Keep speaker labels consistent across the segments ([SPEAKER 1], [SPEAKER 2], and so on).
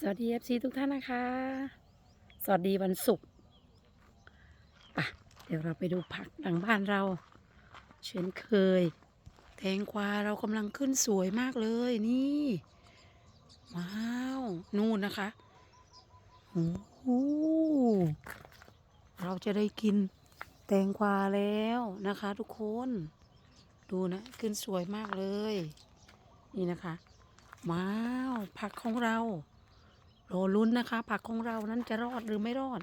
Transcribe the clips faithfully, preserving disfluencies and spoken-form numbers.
[SPEAKER 1] สวัสดี เอฟ ซี ทุกท่านนะคะ สวัสดีวันศุกร์ป่ะเดี๋ยวเราไปดูผักหลังบ้านเราเช่นเคยแตงกวาเรากำลังขึ้นสวยมากเลยนี่ว้าวนู่นนะคะโอ้โหเราจะได้กินแตงกวาแล้วนะคะทุกคนดูนะขึ้นสวยมากเลยนี่นะคะว้าวผักของเรารอลุ้นนะคะผักของเรานั้นจะรอดหรือไม่รอด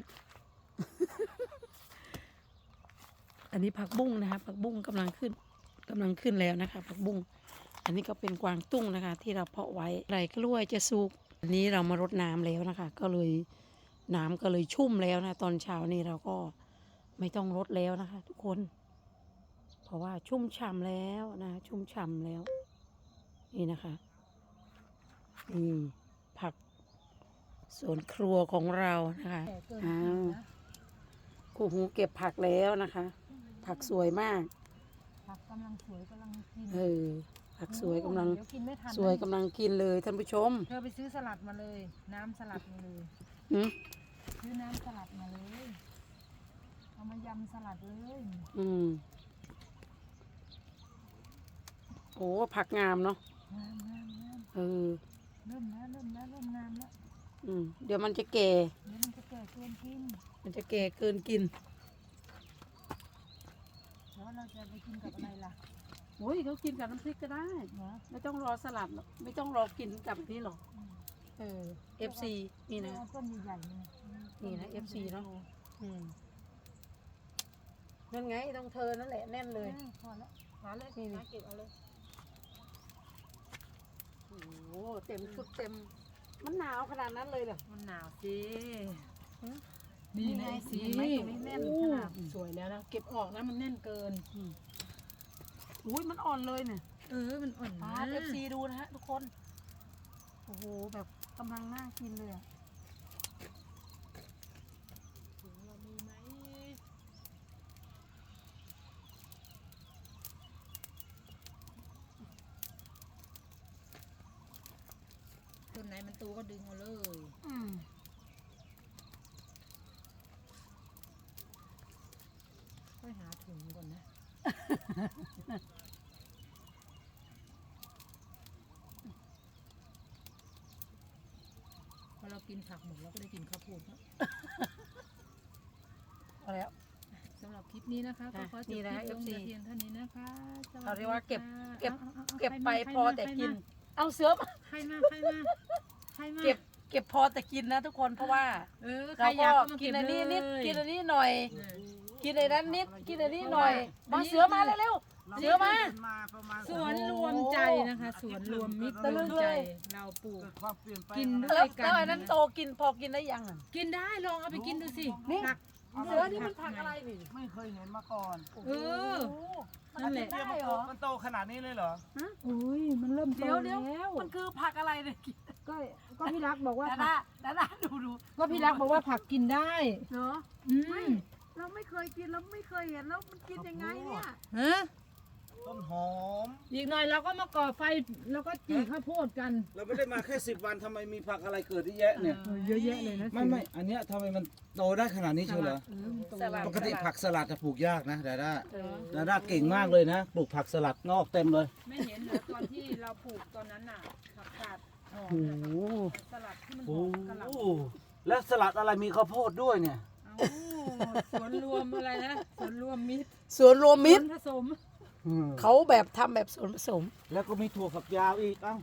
[SPEAKER 1] อันนี้ผักบุ้งนะคะผักบุ้งกำลังขึ้นกำลังขึ้นแล้วนะคะผักบุ้งอันนี้ก็เป็นกวางตุ้งนะคะ ที่เราเพาะไว้ไรกล้วยจะสุกอันนี้เรามารดน้ำแล้วนะคะ ก็เลยน้ำก็เลยชุ่มแล้วนะตอนเช้านี้เราก็ไม่ต้องรดแล้วนะคะ ทุกคน เพราะว่าชุ่มฉ่ำแล้วนะชุ่มฉ่ำแล้ว นี่นะคะนี่ผักสวนครัวของเรานะคะอ้าวคู่หูเก็บผักแล้วนะคะ ผักสวยมาก
[SPEAKER 2] ผักกำลังสวยกำลังกิน
[SPEAKER 1] เออผักสวยกำลัง
[SPEAKER 2] เดี๋ยวกินไม่ทัน
[SPEAKER 1] สวยกำลังกินเลยท่านผู้ชม
[SPEAKER 2] เธอไปซื้อสลัดมาเลย น้ำสลัดมาเลย
[SPEAKER 1] อืม
[SPEAKER 2] ซื้อน้ำสลัดมาเลยเอามายำสลัดเลย
[SPEAKER 1] อืมโอ้ผักงามเนาะ
[SPEAKER 2] งามงามงาม
[SPEAKER 1] เออ
[SPEAKER 2] เริ่มแล้วเริ่มแล้วเริ่มงามแล้ว
[SPEAKER 1] อืมเดี๋ยวมันจะแก่
[SPEAKER 2] เดี๋ยวมันจะแก่เกินกิน
[SPEAKER 1] มันจะแก่เกินกิน
[SPEAKER 2] แล้วเราจะไปกินกับอะไรล่ะ
[SPEAKER 1] โอ้ยเขากินกับน้ำพริกก็ได้
[SPEAKER 2] เนาะ
[SPEAKER 1] ไม่ต้องรอสลัดหรอกไม่ต้องรอกินกับนี่หรอกเออ เอฟ ซี นี่นะ
[SPEAKER 2] เอาต้นใหญ่ๆนี่
[SPEAKER 1] นี่นะ เอฟ ซี เนาะ อืมนั่นไงต้องเธอนั่นแหละแน่นเลย
[SPEAKER 2] เออพอแล้วหาเลย
[SPEAKER 1] นี่นี่
[SPEAKER 2] หาเก็บเอาเลย
[SPEAKER 1] โอ้โหเต็มชุดเต็ม มันหนาวขนาดนั้นเลยเหรอ
[SPEAKER 2] มันหนาวสิ
[SPEAKER 1] นี่ไง
[SPEAKER 2] สิ
[SPEAKER 1] เห็นไหมตรงนี้แน่นขนาด
[SPEAKER 2] สวยแล้วนะเก็บออกนะมันแน่นเกิน
[SPEAKER 1] อุ้ยมันอ่อนเลยเนี่ย
[SPEAKER 2] เออมันอ่อน
[SPEAKER 1] ปา
[SPEAKER 2] นะ
[SPEAKER 1] เอฟซีดูนะฮะทุกคน โอ้โหแบบกำลังน่ากินเลยอะ
[SPEAKER 2] ถุงเรามีไหมต้นไหนมันโตก็ดึงเอาเลย
[SPEAKER 1] อืม
[SPEAKER 2] ค่อยหาถุงก่อนนะ พอเรากินผักหมดเราก็ได้กินข้าวโพดแล้ว
[SPEAKER 1] พอแล้ว
[SPEAKER 2] สำหรับคลิปนี้นะคะก็
[SPEAKER 1] อ่ะ
[SPEAKER 2] ขอจ
[SPEAKER 1] นี่
[SPEAKER 2] บ
[SPEAKER 1] นะ
[SPEAKER 2] คลิปลง
[SPEAKER 1] เอฟซี
[SPEAKER 2] แต่เพียงเท่านี้นะคะสส
[SPEAKER 1] เขาเรียกว่าเก็บ
[SPEAKER 2] ค่ะ
[SPEAKER 1] เก็บ
[SPEAKER 2] อาอาอา
[SPEAKER 1] เก็บ
[SPEAKER 2] ใคร
[SPEAKER 1] ไป
[SPEAKER 2] มา
[SPEAKER 1] พอ
[SPEAKER 2] ใครมา
[SPEAKER 1] แต่
[SPEAKER 2] ใคร
[SPEAKER 1] กิน
[SPEAKER 2] มา
[SPEAKER 1] เอาเสือมา
[SPEAKER 2] ใครมาใครมาใครมา
[SPEAKER 1] เก็บเก็บพอแต่กินนะทุกคนเพราะว่า
[SPEAKER 2] เออใคร
[SPEAKER 1] เรา
[SPEAKER 2] อ
[SPEAKER 1] ก็
[SPEAKER 2] ยากก็มา
[SPEAKER 1] กิ
[SPEAKER 2] เก็
[SPEAKER 1] น
[SPEAKER 2] บ
[SPEAKER 1] อันนี้นิด
[SPEAKER 2] เลย
[SPEAKER 1] กินอันนี้หน่อย
[SPEAKER 2] เออ
[SPEAKER 1] กินอันนั้นนิดกินอันนี้หน่อย
[SPEAKER 2] อัน
[SPEAKER 1] มา
[SPEAKER 2] นี้
[SPEAKER 1] เสือมาเร็วๆเสือมา
[SPEAKER 2] สวนรวมใจนะคะสวนรวมมิตร
[SPEAKER 1] ตะ
[SPEAKER 2] ร
[SPEAKER 1] ลึ
[SPEAKER 2] ว
[SPEAKER 1] ง
[SPEAKER 2] ม
[SPEAKER 1] เลย
[SPEAKER 2] ใจเราปลูก
[SPEAKER 3] ความเปลี่ยนแปลง
[SPEAKER 2] กินด้
[SPEAKER 1] แล้ว
[SPEAKER 2] วยกั
[SPEAKER 1] แล้ว
[SPEAKER 2] น
[SPEAKER 1] อันนั้นโตกินพอกินได้ยังอ่ะ
[SPEAKER 2] กินได้ลองเอาไปกินดูสิ
[SPEAKER 1] นี่
[SPEAKER 2] ผัก
[SPEAKER 1] เสือนี่มันผักอะไรนี่
[SPEAKER 3] ไม่เคยเห็นมาก่อน
[SPEAKER 2] เออ นั่นแหละ
[SPEAKER 1] ได้เหรอ
[SPEAKER 3] มันโตขนาดนี้เลยเหรอ
[SPEAKER 2] อุ้ยมันเริ่มโต
[SPEAKER 1] เดี๋ยวเดี๋ยว
[SPEAKER 2] แล้ว
[SPEAKER 1] มันคือผักอะไรเนี่ย
[SPEAKER 2] ก็ก็พี่รักบอกว่า
[SPEAKER 1] ดา
[SPEAKER 2] ผั
[SPEAKER 1] ดาก ดาดาดูดู
[SPEAKER 2] ก็พี่รักบอกว่าผักกินได้
[SPEAKER 1] เนาะ
[SPEAKER 2] อื
[SPEAKER 1] ไม่
[SPEAKER 2] ม
[SPEAKER 1] เราไม่เคยกินแล้วไม่เคยเห็นแล้วมันกินยังไงเนี่ย
[SPEAKER 2] ฮะ
[SPEAKER 3] ต้นหอม
[SPEAKER 2] อีกหน่อยเราก็มาก่อไฟแล้วก็จี่ข้าวโพดกัน
[SPEAKER 3] เราไม่ได้มาแค่สิบวันทำไมมีผักอะไรเกิดเยอะแยะเนี่ย
[SPEAKER 2] เออเยอะแยะเลยนะ
[SPEAKER 3] ไม่ไม่อันเนี้ยทำไมมันโตได้ขนาดนี้เชียวเหรอ
[SPEAKER 2] เออมันโต
[SPEAKER 1] สลัด
[SPEAKER 3] ปกติผักสลัดจะปลูกยากนะดาด้า
[SPEAKER 1] เออ
[SPEAKER 3] ดาด้าเก่งมากเลยนะ ปลูกผักสลัดงอกเต็มเลย
[SPEAKER 2] ไม่เห็นเหรอตอนที่เราปลูกตอนนั้นน่ะผักกาดหอม
[SPEAKER 1] โอ้
[SPEAKER 2] น่ะ
[SPEAKER 1] โห
[SPEAKER 2] สลัดที่มันห
[SPEAKER 3] โอ้
[SPEAKER 2] อมกะหล่ำ
[SPEAKER 3] แล้วสลัดอะไรมีข้าวโพดด้วยเนี่ย
[SPEAKER 2] เอ้าสวนรวมอะไรนะสวนรวมมิตร
[SPEAKER 1] สวนรวมมิตร
[SPEAKER 2] สวนผสม
[SPEAKER 3] อืม
[SPEAKER 1] เขาแบบทำแบบส่วนผสม
[SPEAKER 3] แล้วก็มีถั่วฝักยาวอีกเอ้าย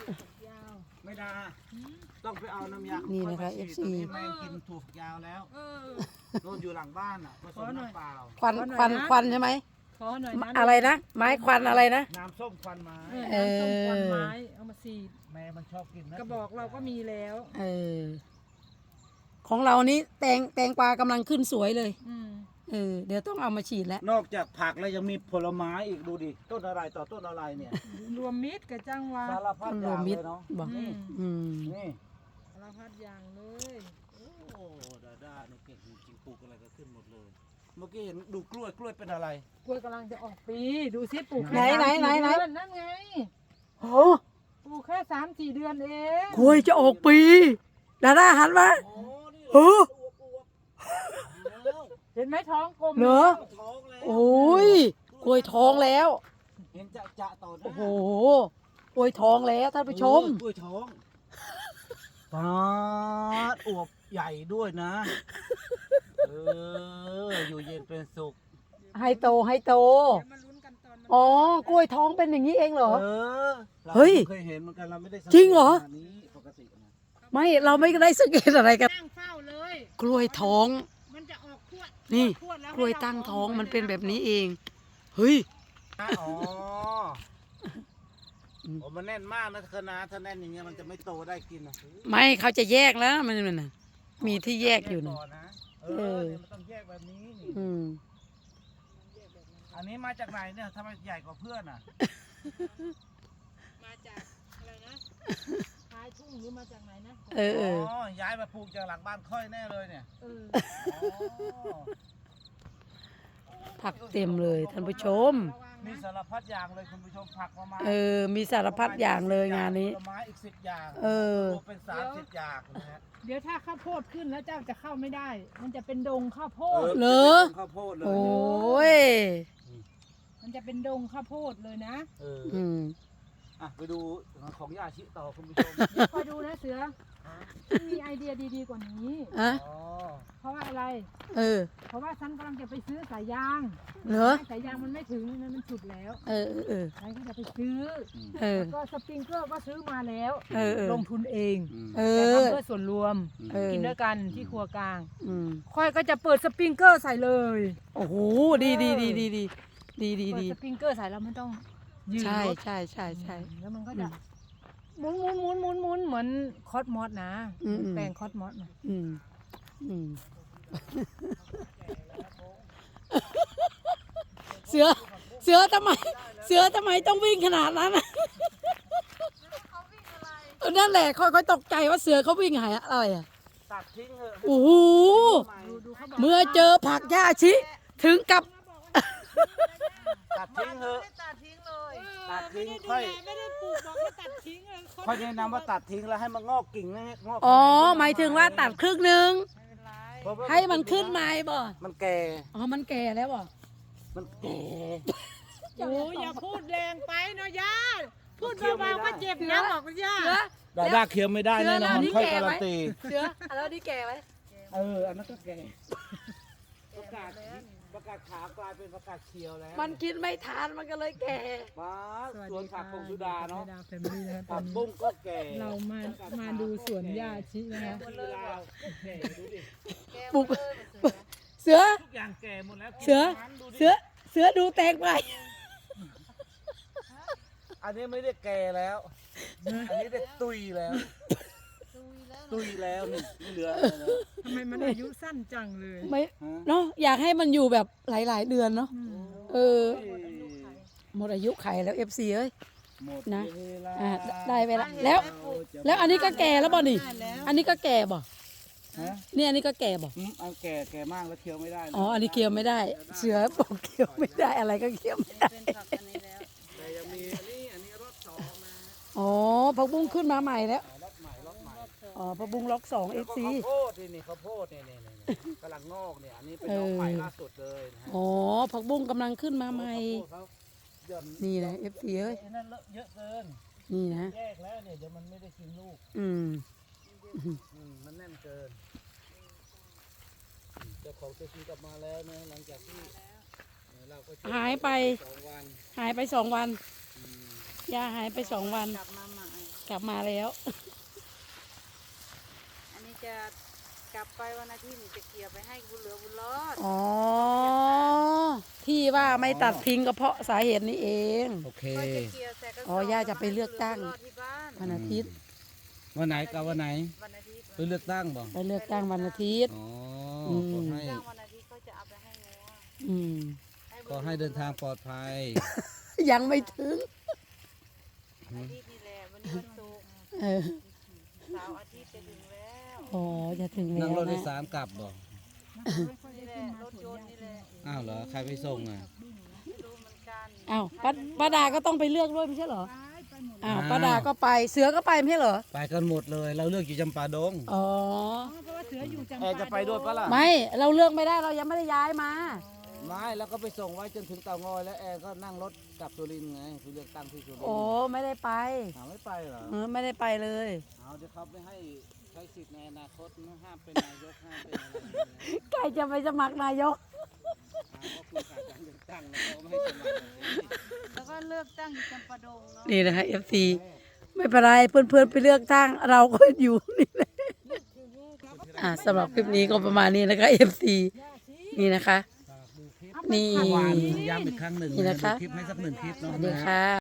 [SPEAKER 2] าว
[SPEAKER 3] ไม่ได้ต้องไปเอาน้ำยา
[SPEAKER 1] นี่นะคะ
[SPEAKER 3] ข้า
[SPEAKER 1] เอ
[SPEAKER 3] ไป
[SPEAKER 1] ฟ ซี
[SPEAKER 3] ฉีดตอนนี้แม่งกินถั่วฝักยาวแล้ว
[SPEAKER 2] เออ
[SPEAKER 3] โดนอยู่หลังบ้านอ่ะผสม
[SPEAKER 2] ขอหน่อย
[SPEAKER 3] น้ำเปล่า
[SPEAKER 1] ควัน
[SPEAKER 2] ขอหน่อย
[SPEAKER 1] ควัน
[SPEAKER 2] นะ
[SPEAKER 1] ควันใช่ไหม
[SPEAKER 2] ขอหน่อยนะ
[SPEAKER 1] อะไรนะไม้ควันอะไรนะ
[SPEAKER 3] น้ำส้มควันไม้
[SPEAKER 2] เออน้ำส้มควันไม้เอามาสีด
[SPEAKER 3] แม่มันชอบกินนะ
[SPEAKER 2] กระบอกเราก็มีแล้ว
[SPEAKER 1] เออ ของเรานี้แตงแตงกวากำลังขึ้นสวยเลย
[SPEAKER 2] อืม
[SPEAKER 1] เออ เดี๋ยวต้องเอามาฉีดแล้ว
[SPEAKER 3] นอกจากผักแล้วยังมีผลไม้อีกดูดิต้นอะไรต่อต้นอะไรเนี่ย
[SPEAKER 2] รวมมิตรกับจังหวะ
[SPEAKER 3] สารพัด
[SPEAKER 1] ต้น
[SPEAKER 3] อ
[SPEAKER 1] รว
[SPEAKER 3] ย่าม ง
[SPEAKER 1] มิ
[SPEAKER 3] เล
[SPEAKER 1] ตร
[SPEAKER 3] ยเนาะ
[SPEAKER 1] บอก
[SPEAKER 2] อืม
[SPEAKER 1] อืม
[SPEAKER 3] นี่
[SPEAKER 2] สารพัดอย่างเลย
[SPEAKER 3] โอ้ดาด้าเนี่ยเก่งจริงๆปลูกอะไรก็ขึ้นหมดเลย เมื่อกี้เห็นดูกล้วยกล้วยเป็นอะไร
[SPEAKER 2] กล้วยกำลังจะออกปีดูซิปลูก
[SPEAKER 1] ไหน
[SPEAKER 2] แค่
[SPEAKER 1] ไหนไหนไหน
[SPEAKER 2] สามสี่เดือนั่นไง
[SPEAKER 1] โอ้
[SPEAKER 2] ปลูกแค่สามสี่เดือนเอง
[SPEAKER 1] กล้วยจะออกปีดาด้าหันมา
[SPEAKER 3] อ๋อนี่
[SPEAKER 1] เออ
[SPEAKER 3] แล้ว
[SPEAKER 2] เห็นไหมท้องกลม
[SPEAKER 1] เหรอ
[SPEAKER 3] ท้องแล้ว
[SPEAKER 1] โอ้ยกล้วยท้องแล้ว
[SPEAKER 3] เห็นจะจะต่อหน้า
[SPEAKER 1] โอ้โหกล้วยท้องแล้วท่านผู้ชม
[SPEAKER 3] เออกล้วยท้องปาดอวบใหญ่ด้วยนะ เออ อยู่เย็นเป็นสุข
[SPEAKER 1] ให้โตให้โต
[SPEAKER 2] เดี๋ยวมาลุ้นกันตอนมัน
[SPEAKER 1] อ๋อกล้วยท้องเป็นอย่างนี้เองเหรอ
[SPEAKER 3] เออรา
[SPEAKER 1] เฮ้ย
[SPEAKER 3] เคยเห็นเหมือนกันเราไม่ได้สัก
[SPEAKER 1] จริงเหรอ
[SPEAKER 3] ขนาดนี้ปกตินะ
[SPEAKER 1] ไม่เราไม่ได้สังเกตอะไรกัน
[SPEAKER 2] ตั้งเฝ้าเลย
[SPEAKER 1] กล้วยท้อง
[SPEAKER 2] มันจะออกขวด
[SPEAKER 1] นี่
[SPEAKER 2] ขวดแว
[SPEAKER 1] กล้วยตั้งท้องมันเป็นแบบนี้เอง เฮ้ย
[SPEAKER 3] อ๋อโอ้มันแน่นมากนะคณะถ้าแน่นอย่างเงี้ยมันจะไม่โตได้กินนะ
[SPEAKER 1] ไม่เขาจะแยกแล้วมันมันน่ะมีที่แยกอยู่นะ
[SPEAKER 3] ก่นะเอ
[SPEAKER 1] เออ
[SPEAKER 3] อเนี่ยมันต้องแยกแบบนี้นี่
[SPEAKER 1] อืม
[SPEAKER 3] อันนี้มาจากไหนเนี่ยทำไมใหญ่กว่าเพื่อนอ่ะ
[SPEAKER 2] มาจากอะไรนะท้ายทุ่งหรือมาจากไหนนะ
[SPEAKER 1] เออเออ
[SPEAKER 3] อ๋อ ย้ายมาปลูกจากหลังบ้านค่อยแน่เลยเนี่ย
[SPEAKER 2] เออ
[SPEAKER 3] อ๋อ
[SPEAKER 1] ผักเต็มเลยท่านผู้ชม
[SPEAKER 2] ระวัง
[SPEAKER 3] มี
[SPEAKER 2] นะ
[SPEAKER 3] สารพัดอย่างเลยคุณผู้ชมผักประมาณ
[SPEAKER 1] เออ มีสารพัดอย่างเลยงานนี้
[SPEAKER 3] ผลไม้อีกสิบอย่าง
[SPEAKER 1] เออ
[SPEAKER 3] รวมเป็นสามสิบอย่างนะฮะ
[SPEAKER 2] เดี๋ยวถ้าข้าวโพดขึ้นแล้วเจ้าจะเข้าไม่ได้ มันจะเป็นดงข้าวโพด
[SPEAKER 1] เหรอ
[SPEAKER 3] เป็นข้าวโพดเลย
[SPEAKER 1] โอ้ย
[SPEAKER 2] มันจะเป็นดงข้าวโพดเลยนะ
[SPEAKER 3] เออ
[SPEAKER 1] อืม
[SPEAKER 3] อ่ะไปดูของยาชิต่อคุณผู้ชม
[SPEAKER 2] คอยดูนะเสือมันมีไอเดียดีๆกว่านี้
[SPEAKER 1] อะ
[SPEAKER 3] อ๋อ
[SPEAKER 2] เพราะว่าอะไร
[SPEAKER 1] เออ
[SPEAKER 2] เพราะว่าฉันกำลังจะไปซื้อสายยาง
[SPEAKER 1] เหรอ
[SPEAKER 2] สายยางมันไม่ถึงมันมันฉุดแล้ว
[SPEAKER 1] เออเออ
[SPEAKER 2] ฉันก็จะไปซื้อ
[SPEAKER 1] เออ
[SPEAKER 2] แล้วก็สปริงเกอร์ก็ซื้อมาแล้ว
[SPEAKER 1] เออเออ
[SPEAKER 2] ลงทุนเอง
[SPEAKER 3] อืม
[SPEAKER 1] เอ
[SPEAKER 2] แต่
[SPEAKER 1] อ
[SPEAKER 2] ทำเพื่อส่วนรวม
[SPEAKER 1] เออ
[SPEAKER 2] กินด้วยกันที่ครัวกลาง
[SPEAKER 1] อืม
[SPEAKER 2] ค่อยก็จะเปิดสปริงเกอร์ใส่เลย
[SPEAKER 1] โอ้โห ดีดีดีดีดีดีดี
[SPEAKER 2] เปิด
[SPEAKER 1] ดี
[SPEAKER 2] สปริงเกอร์ใส่แล้วมันต้องยืน
[SPEAKER 1] ใช่
[SPEAKER 2] รถ
[SPEAKER 1] ใช่ใช่ใช่
[SPEAKER 2] แล้วมันก็
[SPEAKER 1] อื
[SPEAKER 2] จะ
[SPEAKER 1] ม
[SPEAKER 2] หมุนหมุนหมุนหมุนหมุนเหมือนคอสมอสนะ
[SPEAKER 1] อืมอืม
[SPEAKER 2] แปลงคอสมอสนะ
[SPEAKER 1] อืม อืม เสือ เสือทำไม เสือทำไมต้องวิ่งขนาดนั้นน่ะเออนั่นแหละค่อยๆตกใจว่าเสือเขาวิ่งหายอะไรอ่ะ
[SPEAKER 3] ตัดทิ้งเถอะ
[SPEAKER 1] โอ้โห
[SPEAKER 2] ดูดูเขาบอก
[SPEAKER 1] เมื่อเจอผักหญ้าชิ ถึงกับ
[SPEAKER 3] ตัดทิ้งเถอะ
[SPEAKER 2] ตัดทิ้งเลย
[SPEAKER 3] ตัดทิ้งค่อย
[SPEAKER 2] ไม่ได้ปลูกบอกให้ตัดทิ้งเลย
[SPEAKER 3] ค่อยแนะนำว่าตัดทิ้งแล้วให้มันงอกกิ่งนะงอก
[SPEAKER 1] อ๋อ หมายถึงว่าตัดครึ่งหนึ่ง
[SPEAKER 2] ไม่เป็นไร
[SPEAKER 3] เพราะว่า
[SPEAKER 1] ให้มันขึ้นมาบ่
[SPEAKER 3] มันแก่
[SPEAKER 1] อ๋อ มันแก่แล้วบ่
[SPEAKER 3] มันแก่
[SPEAKER 2] โอ้ยอย่าพูดแรงไปเนาะย่าพูดเบาๆก็เจ็บนะบอกย่า
[SPEAKER 1] เสือ
[SPEAKER 3] ดาด้าเคี้ยวไม่ได้
[SPEAKER 1] เสือ
[SPEAKER 3] แน่นอน
[SPEAKER 1] แล้วนี่
[SPEAKER 3] ค่อย
[SPEAKER 1] แก่
[SPEAKER 3] การั
[SPEAKER 1] ไหม
[SPEAKER 3] นตี
[SPEAKER 1] เสือแล้วนี่แก่ไหม
[SPEAKER 3] เออ อันนั้นก็แก่ ประกาศประกาศขาวกลายเป็นประกาศเขียวแล้ว
[SPEAKER 1] มันกินไม่ทานมันก็เลยแก่
[SPEAKER 3] ป้าสวนผักของสุดาเนาะ
[SPEAKER 2] ดาวแฟมิลี่นะตอ
[SPEAKER 3] ผั
[SPEAKER 2] น
[SPEAKER 3] ก
[SPEAKER 2] นี้
[SPEAKER 3] บุ้งก็แก่
[SPEAKER 2] เรามามาดูสวนหญ้าชินะคะ
[SPEAKER 3] สุดาแก่ดูดิ
[SPEAKER 1] ปลูกเสือ
[SPEAKER 3] ทุกอย่างแก่หมดแล้ว
[SPEAKER 1] เสือ
[SPEAKER 3] ดูดิ
[SPEAKER 1] เสือ เสือดูแตกไป
[SPEAKER 3] อันนี้ไม่ได้แก่แล้ว อันนี้ได้ตุยแล้ว ตุยแล้วนี่ไม่เหลืออะไรแล้ว
[SPEAKER 2] ทำไมมันอายุสั้นจังเลย
[SPEAKER 1] ไม่
[SPEAKER 3] ฮะ
[SPEAKER 1] เนาะอยากให้มันอยู่แบบหลาย ๆ เดือนเนาะ
[SPEAKER 2] อืม
[SPEAKER 1] เออ หมดอายุไขแล้วเอฟซีเอ้ย
[SPEAKER 3] หมด
[SPEAKER 1] นะ
[SPEAKER 3] เวลา
[SPEAKER 1] อ่าได้เวลาแล้ว แล้วอันนี้ก็แก่แล้วบ่นี่ อันนี้ก็แก่บ่
[SPEAKER 3] ฮะ
[SPEAKER 1] นี่อันนี้ก็แก่บ่
[SPEAKER 3] อืมอันแก่แก่มากแล้วเคี้ยวไม่ได้นะ
[SPEAKER 1] อ๋อ อันนี้เคี้ยวไม่ได้ เสือบอกเคี้ยวไม่ได้อะไรก็เคี้ยวไม่ได้
[SPEAKER 3] แต่ยังมีอันนี้อันนี้รถสองนะ
[SPEAKER 1] อ๋อผักบุ้งขึ้นมาใหม่แล้ว
[SPEAKER 3] รถใหม่รถใหม่
[SPEAKER 1] อ๋อผักบุ้งล็อกสองเอ
[SPEAKER 3] แล้ว
[SPEAKER 1] ฟ
[SPEAKER 3] ก็
[SPEAKER 1] ซี
[SPEAKER 3] ข้าวโพดนี่นี่ข้าวโพดนี่นี่นี่นี่กำลังงอกเนี่ยอันนี้เป็นน้องใหม่ล่าสุดเลยนะฮะ
[SPEAKER 1] อ๋อผักบุ้งกำลังขึ้นมาใหม่
[SPEAKER 3] ข้าวโพดเขาหย่อน
[SPEAKER 1] นี่นะเอฟซีเอ้ย
[SPEAKER 3] ไอ้นั่นเลอะเยอะเกิน
[SPEAKER 1] นี่นะ
[SPEAKER 3] แยกแล้วเนี่ยเดี๋ยวมันไม่ได้กินลูก
[SPEAKER 1] อืม
[SPEAKER 3] อืมมันแน่นเกินอืมเจ้าของตัวจริงกลับมาแล้วนะหลังจากที่เอ่อเราก็ช่ว
[SPEAKER 1] หายไป
[SPEAKER 3] สองวัน
[SPEAKER 1] หายไปสองวัน
[SPEAKER 3] อืม
[SPEAKER 1] ยาหายไปสองวัน
[SPEAKER 4] กลับมาใหม่
[SPEAKER 1] กลับมาแล้ว
[SPEAKER 4] อันนี้จะกลับไปวันอาทิตย์นี่จะเกี่ยวไปให้บุญเหลือบุญรอด
[SPEAKER 1] อ๋อ ที่ว่าไม่ตัดทิ้งก็เพราะสาเหตุนี้เอง
[SPEAKER 3] โอเค
[SPEAKER 4] ก็จะเกี่ยวแต่ก็
[SPEAKER 1] อ๋อย่าจะไปเลือกตั้ง
[SPEAKER 4] บุญเหลือบุญรอดที่บ้าน
[SPEAKER 1] วันอาทิตย์
[SPEAKER 3] วันไหนกับวันไหน
[SPEAKER 4] วันอาทิตย์
[SPEAKER 3] ไปเลือกตั้งบ่
[SPEAKER 1] ไปเลือกตั้งวันอาทิตย์
[SPEAKER 3] อ๋อ
[SPEAKER 1] อืม
[SPEAKER 3] ขอให้
[SPEAKER 4] จ้างวันอาทิตย์ก็จะเอาไปให้งัว
[SPEAKER 1] อืม
[SPEAKER 3] ขอให้เดินทางปลอดภัย
[SPEAKER 1] ยังไม่ถึง
[SPEAKER 4] อาทิตย์นี่แหละวันนี้วันศุกร์
[SPEAKER 1] เออ
[SPEAKER 4] เสาร์อาทิตย์จะถึงแล้ว
[SPEAKER 1] อ๋อ จะถึงแล้
[SPEAKER 3] นั่ง
[SPEAKER 1] ว
[SPEAKER 3] รถโดย
[SPEAKER 1] นะ
[SPEAKER 3] สารกลับบ่
[SPEAKER 4] นี่แหละรถยนต์นี่แหละ
[SPEAKER 3] อ้าวเหรอ ใครไปส่งอ่ะ
[SPEAKER 4] ไม่รู้เหมือนกัน
[SPEAKER 1] อ้าวป้าป้าดาก็ต้องไปเลือกด้วยไม่ใช่เหรอ
[SPEAKER 2] ไปไป
[SPEAKER 4] หมด
[SPEAKER 1] อ้าวป้าดาก็ไปเสือก็ไปไม่ใช่เหรอ
[SPEAKER 3] ไปกันหมดเลย เราเลือกอยู่จำปาดง
[SPEAKER 1] อ๋อ
[SPEAKER 4] เพราะว่าเสืออยู่จำ
[SPEAKER 3] แอ
[SPEAKER 4] ปา
[SPEAKER 3] ร์จะไปด้วยปะล่ะ
[SPEAKER 1] ไม่เราเลือกไม่ได้เรายังไม่ได้ย้ายมา
[SPEAKER 3] ไม่แล้วก็ไปส่งไว้จนถึงเตางอยแล้วแอร์ก็นั่งรถกลับสุรินทร์ไงคือเลือกตั้งที่สุรินทร์
[SPEAKER 1] โอ้ไม่ได้ไป
[SPEAKER 3] หาไม่ไปเหรอ
[SPEAKER 1] เออไม่ได้ไปเลย
[SPEAKER 3] เอาเดี๋ยวเขาไม่ให้ใช้สิทธิ์ในอนาคตห้ามเป็นนายกห้ามเป็นอะไรเลย
[SPEAKER 1] ใครจะไปสมัครนายก
[SPEAKER 3] ก็คือขาดการเลือกตั้งแล้วเขาไม่ให้สมัครแบบนี้
[SPEAKER 4] แล้วก็เลือกตั้งอยู่จำปาดงเนาะ
[SPEAKER 1] นี่นะคะ เอฟ ซี ไม่เป็นไรเพื่อนๆไปเลือกตั้งเราก็อยู่นี่แหละอ่าสำหรับคลิปนี้ก็ประมาณนี้นะคะ เอฟ ซี นี่นะคะ นี่
[SPEAKER 3] เมื่อวานย้ำอีกครั้งหนึ่ง
[SPEAKER 1] นี่นะคะ
[SPEAKER 3] ดูคลิปให้สักหนึ่งคลิป
[SPEAKER 1] ส
[SPEAKER 3] เนาะ
[SPEAKER 1] วัสดีค่ะ